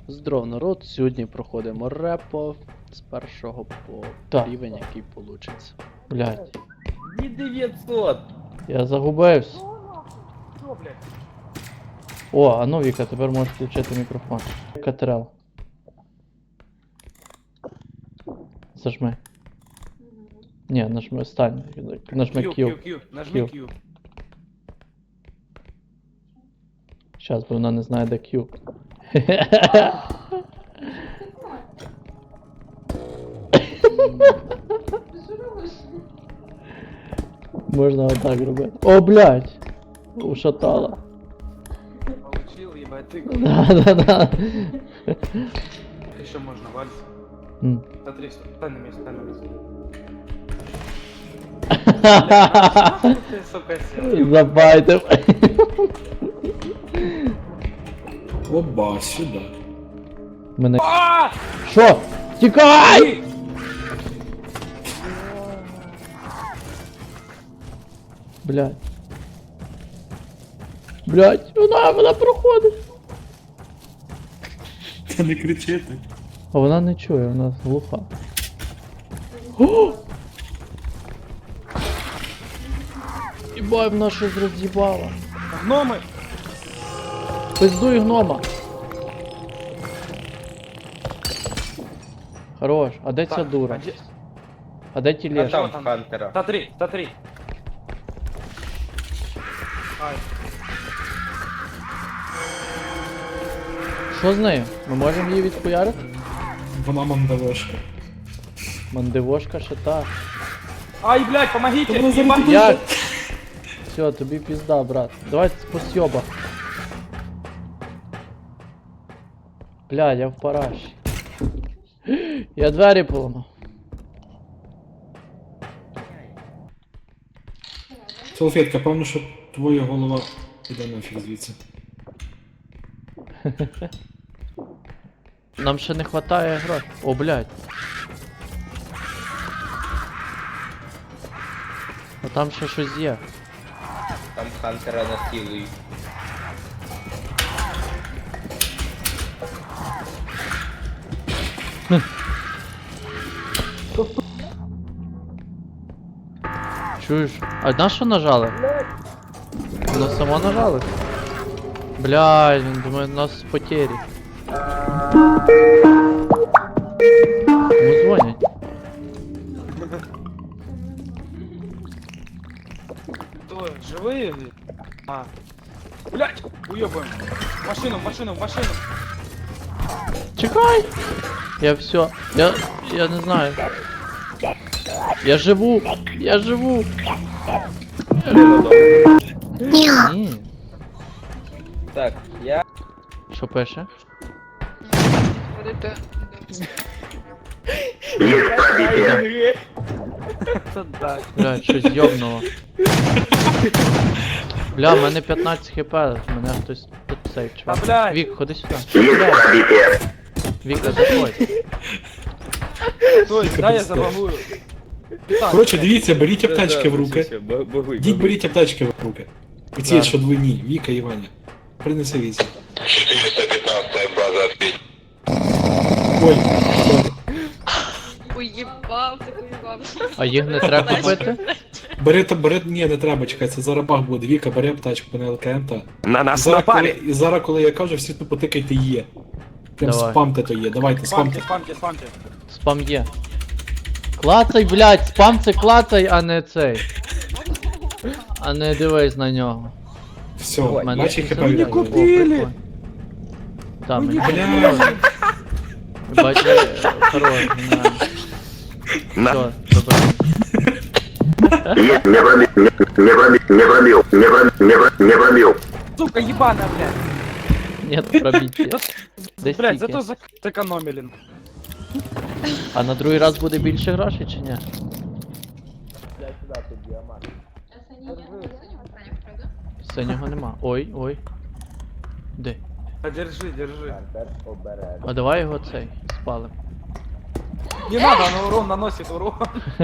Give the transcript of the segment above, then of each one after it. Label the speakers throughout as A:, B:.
A: Здоров, народ, сьогодні проходимо репо з першого по
B: Так.
A: рівень, який получиться.
B: Блядь,
C: Не 900.
B: я загубився.
C: Что, блядь?
B: О, а ну Віка, тепер можеш включити мікрофон. Катерел. Зажми. Ні, нажми, стань. Нажми Q.
C: Q. Нажми
B: Q.
C: Q.
B: Щас, бо вона не знає, де Q. Можна отак робити. О, блядь! Ушатала.
C: Получил, ебать, ты.
B: Да.
C: Еще можно, вальс.
B: М.
C: Смотри, стань на месте, стань на месте. Ты, сука, сел.
B: Забайтив.
D: Оба, сюда.
B: Мене.
C: А!
B: Що? Тікай! Блядь. Блядь, вона проходить.
D: Та не кричити.
B: А вона не чує, вона глуха. О! Єбай, вона щось роз'їбала.
C: Гномы!
B: Пиздуй гнома. Хорош, а де ця
C: Так,
B: дура?
C: а де-
B: А де ті леші?
C: там Хантера. Смотри. Ай,
B: Що з нею? Ми можемо її відхуярити?
D: Вона мандавошка.
B: Мандивошка ще та.
C: Ай, блядь, помогите!
D: Ну,
C: Ебать!
B: Як? Все, тобі пізда, брат. Давай по сьобах. Бля, я в параші. Я двері поламав.
D: Салфетка, певно, що твоя голова іде нафіг звідси.
B: Нам ще не хватає грошей. О, блядь. А там ще щось є.
E: Там Хантера насилують.
B: Чуєш? А на що нажали? Воно само нажали? Блядь, він думає, у нас потері. Кому дзвонять?
C: Кто, живые? А. Блядь! Уебаем! В машину!
B: Чекай! Я все. Я не знаю. Я живу! Ні.
E: Так, я...
B: Що пише?
C: Это да.
B: Бля, щось йобнуло. Бля, в мене 15 хп, мене хтось тут цей чувак.
C: Та, блядь.
B: Вік, ходи сюди. Блядь. Віка, заходь.
C: Стой, дай я забагую.
D: Коротше, дивіться, беріть аптечки в руки.
E: Богуй.
D: Діть, беріть аптечки в руки. Оці,
B: Да.
D: що двойні, Віка і Ваня. Принеси віці.
F: 415 база ответь.
D: Ой,
G: Уїбав, так уїбав.
B: А їх не треба купити?
D: бери, ні, не треба, чекай, це зараз бах буде. Віка, бери аптечку на ЛКМ та.
F: На нас
D: Зараз, коли,
F: напали.
D: і зараз, коли я кажу, всі тупо тикайте є. Прям
B: Давай.
D: спамте то є, давайте, спамте.
C: Спамьте.
B: Спам є. Клацай, блядь, спам це клацай, а не цей. А не дивись на нього.
D: Все,
E: Ой,
B: Мене
D: бачи
B: всі
D: хп.
B: забирають.
D: Віка.
B: О, прикольно. Та, мені
D: Бля.
B: подобається. Бачиш, хорош, нормально.
F: На.
B: Все, добре.
F: Не пробил.
C: Сука, ебаная, блядь.
B: Нет пробиття. Десь
C: Блядь,
B: тільки.
C: зато сэкономили.
B: А на другий раз буде більше грошей чи ні? Синього нема. Ой. Де?
C: Да держи.
B: А давай його цей спалим.
C: Не надо, он урон наносит урон.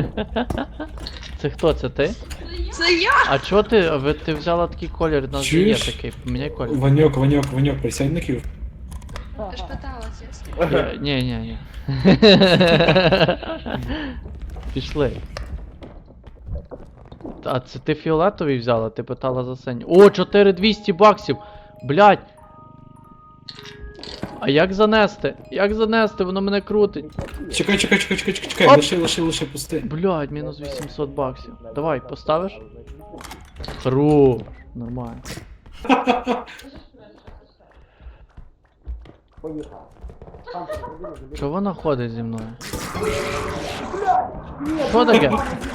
B: Це хто? Це ти?
G: Це я!
B: А чого ти? Ти взяла такий колір, у нас же є
D: Чуєш?
B: такий, поміняй колір.
D: Ваньок, присядь на ків.
G: Ти ж питалась, ясно?
B: Ні. Пішли. А це ти фіолетовий взяла? Ти питала за синій. О, 4200 баксів! Блядь! А як занести? Як занести? Воно мене крутить.
D: Чекай,
B: Оп.
D: лише пусти.
B: Блядь, мінус 800 баксів. Давай, поставиш? Хорош. Нормально. Що вона ходить зі мною? Що таке?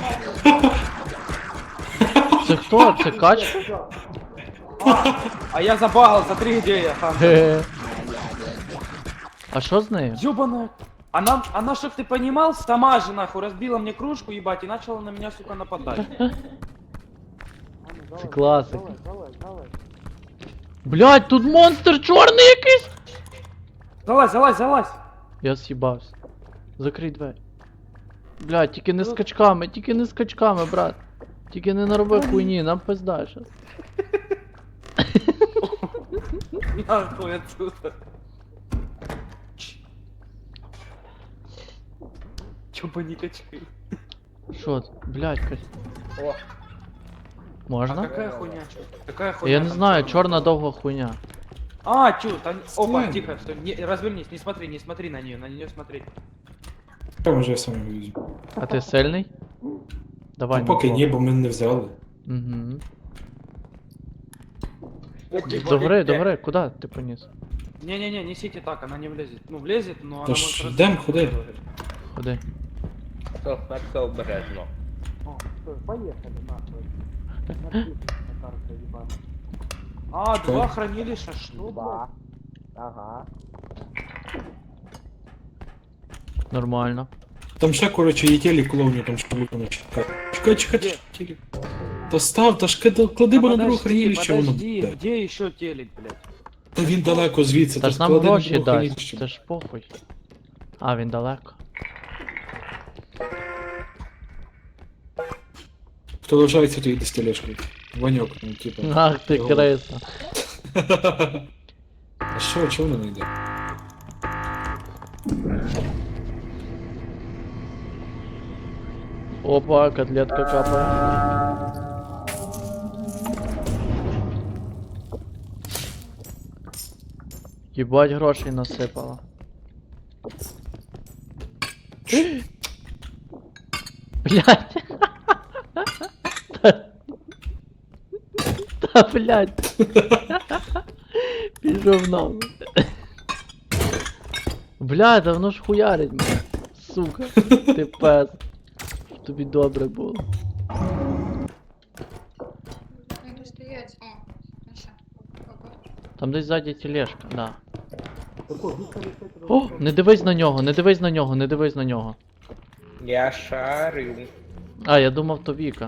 B: Це хто? Це кач?
C: А я забагал, смотри, где я, Хантер.
B: Ге. А що з нею?
C: Ёбаная. Она, чтоб ты понимал, сама же нахуй разбила мне кружку, ебать, и начала на меня, сука, нападать.
B: Це класик. Блядь, тут монстр чорний якийсь!
C: Залазь.
B: Я з'їбався. Закрий двері. Блядь, тільки не скачками, брат. Тільки не нароби хуйні, нам пизда щас.
C: Нахуй отсюда. Чупа-никачки.
B: Що це? Блядь, Кать.
E: О,
C: А
B: Можна?
C: какая хуйня, чё? Какая хуйня?
B: Я не
C: там
B: знаю,
C: чёрная?
B: чорна довга хуйня.
C: А, чё, там... Опа,
D: Стой.
C: тихо, стой, развернись, не смотри на нее смотри.
D: Там вже я сам вивезу.
B: А ти сильний? Давай.
D: Ну, поки
B: Микола.
D: ні, бо мене не взяли.
B: Угу.
C: Типа,
B: До гори, куди ти поніс?
C: Не-не-не, несите так, она не влезет. Ну, влезет, но она
D: Та ж
C: может...
D: йдем, ходи.
B: Ходи.
E: все обережно.
C: О, стой, поехали, нахуй. Написано на карте, ебаная. А,
D: Что?
C: 2 хранилища, что, блядь?
E: Ага.
B: Нормально.
D: Там ще, коротше, є телек клоуні, там ще лукано чекай. Телек. Та став, та ж клади, бо на друге хранилище воно
C: Подожди,
D: буде.
C: где еще телек, блядь?
D: Та він далеко звідси,
B: Та
D: та
B: ж нам
D: склади на
B: гроші
D: друге
B: дасть.
D: хранилище.
B: Це ж похуй. А, він далеко.
D: Хто лишається, то йде з тележкою. Ваньок, ну, типа.
B: Ах ти
D: його.
B: криса.
D: А що, чого вона не йде?
B: Опа, котлетка капає. Єбать грошей насипала. Блять. Та блять. Пішов нахуй. Бля, да воно ж хуярить мене. Сука, ти пес. Щоб тобі добре було.
G: Як стоять? О, ну що? Опа.
B: Там десь ззаді тележка, да. О, не дивись на нього, не дивись на нього, не дивись на нього.
E: Я шарю.
B: А, я думав, то Віка.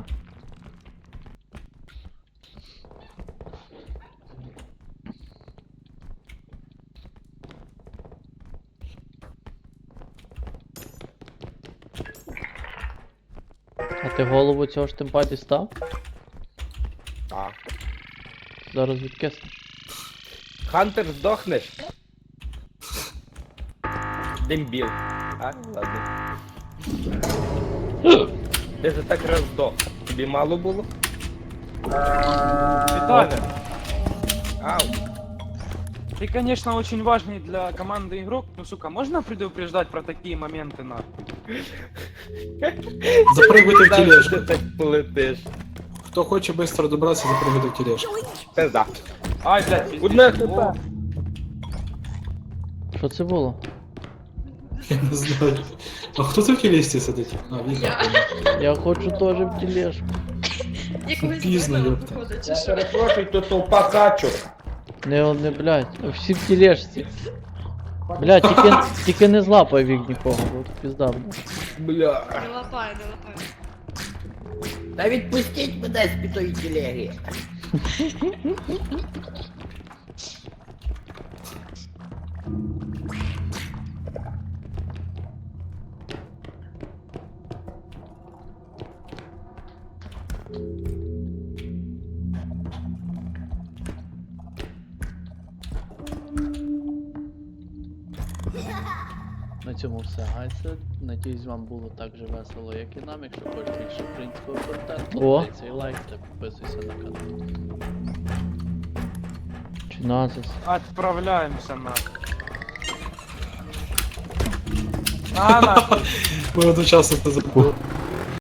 B: А ти голову цього штемпа дістав?
E: Так.
B: Зараз відкиснеш.
E: Хантер, здохнеш. Дембіл. А, ладно. Ти же так раз здох. Тобі мало було?
C: Виталий,
E: Ау.
C: ты, конечно, очень важный для команды игрок, но, сука, можно предупреждать про такие моменты, нахуй?
D: Запригуйте в
E: Знав, що
D: тележку.
E: ти так полетиш.
D: Хто хоче швидко добратися, запригуйте в тележку.
E: Пизда.
C: Ай, блядь, пиздец.
E: Одне
C: О,
B: Що це було?
D: Я не знаю. А хто це в тележці сидить? А, Віка.
B: Я хочу теж в тележку.
G: Якогось
D: Пізно,
G: дебіла,
D: ёпта.
G: походу, чи
E: Я
G: що?
E: перепрошую, то толпа качок.
B: Не, блядь, всі в тележці. Блядь, тільки не злапай вік нікого, бо тут пізда буде.
E: Бля.
G: Не лапай, не лапай.
E: Та відпустіть мене з пітої телеги.
A: На цьому все, гайсе. Надіюсь, вам було так же весело, як і нам. Якщо хочете більше українського контенту,
B: О.
A: дай цей лайк та підписуйся на канал.
B: Чи назис?
C: Отправляемся на. На.
D: Ми одночасно це забули.